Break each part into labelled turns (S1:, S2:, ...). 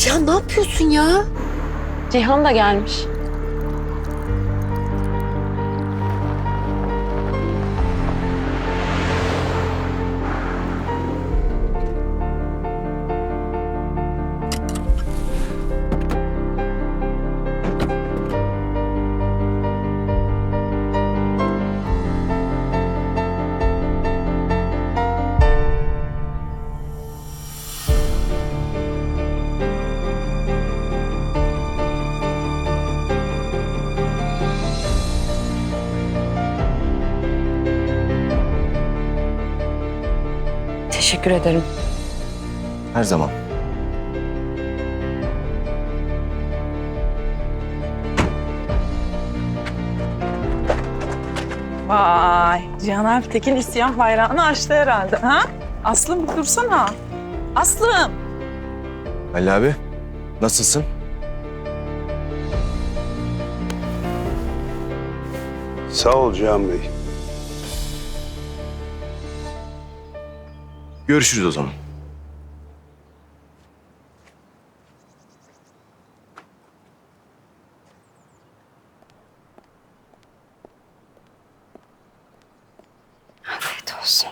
S1: Ya ne yapıyorsun ya?
S2: Cihan da gelmiş. Teşekkür ederim.
S3: Her zaman.
S4: Vay, Cihan Ertekin isyan bayrağını açtı herhalde, ha? Aslım bir dursana. Aslım.
S3: Ali abi, nasılsın?
S5: Sağ ol Cihan Bey.
S3: Görüşürüz o zaman.
S1: Afiyet olsun.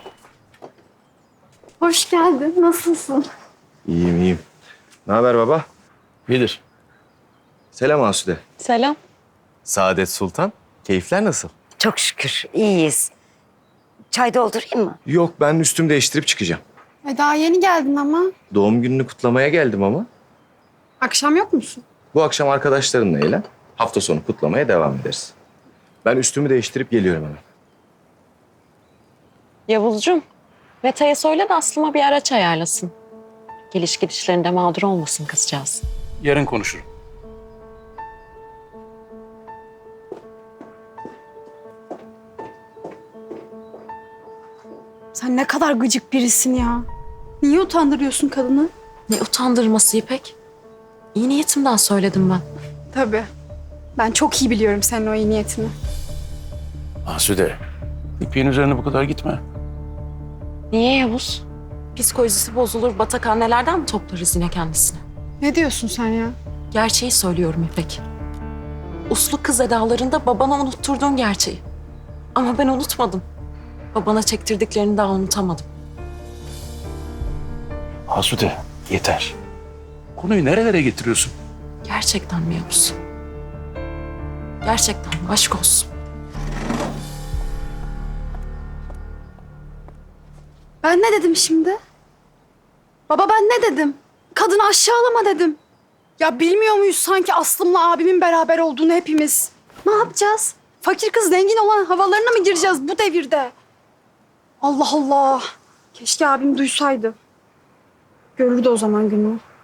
S6: Hoş geldin. Nasılsın?
S3: İyiyim, iyiyim. Ne haber baba?
S7: Bilir.
S3: Selam Asude.
S2: Selam.
S3: Saadet Sultan. Keyifler nasıl?
S1: Çok şükür iyiyiz. Çay doldurayım mı?
S3: Yok, ben üstümü değiştirip çıkacağım.
S6: Daha yeni geldin ama.
S3: Doğum gününü kutlamaya geldim ama.
S6: Akşam yok musun?
S3: Bu akşam arkadaşlarımla eğlen. Hafta sonu kutlamaya devam ederiz. Ben üstümü değiştirip geliyorum hemen.
S2: Yavuzcuğum, Meta'ya söyle de Aslıma bir araç ayarlasın. Geliş gidişlerinde mağdur olmasın kızcağız.
S7: Yarın konuşurum.
S6: Sen ne kadar gıcık birisin ya. Niye utandırıyorsun kadını?
S2: Ne utandırması İpek? İyi niyetimden söyledim ben.
S6: Tabii. Ben çok iyi biliyorum senin o iyi niyetini.
S7: Asude, İpek'in üzerine bu kadar gitme.
S2: Niye Yavuz? Psikolojisi bozulur, batak annelerden mi toplarız yine kendisini?
S6: Ne diyorsun sen ya?
S2: Gerçeği söylüyorum İpek. Uslu kız edalarında babana unutturduğun gerçeği. Ama ben unutmadım. Babana çektirdiklerini daha unutamadım.
S7: Asude, yeter. Konuyu nerelere getiriyorsun?
S2: Gerçekten mi Yavuz? Gerçekten mi? Aşk olsun.
S6: Ben ne dedim şimdi? Baba ben ne dedim? Kadını aşağılama dedim. Ya bilmiyor muyuz sanki Aslım'la abimin beraber olduğunu hepimiz? Ne yapacağız? Fakir kız zengin olan havalarına mı gireceğiz bu devirde? Allah Allah. Keşke abim duysaydı. Görürdü o zaman gününü.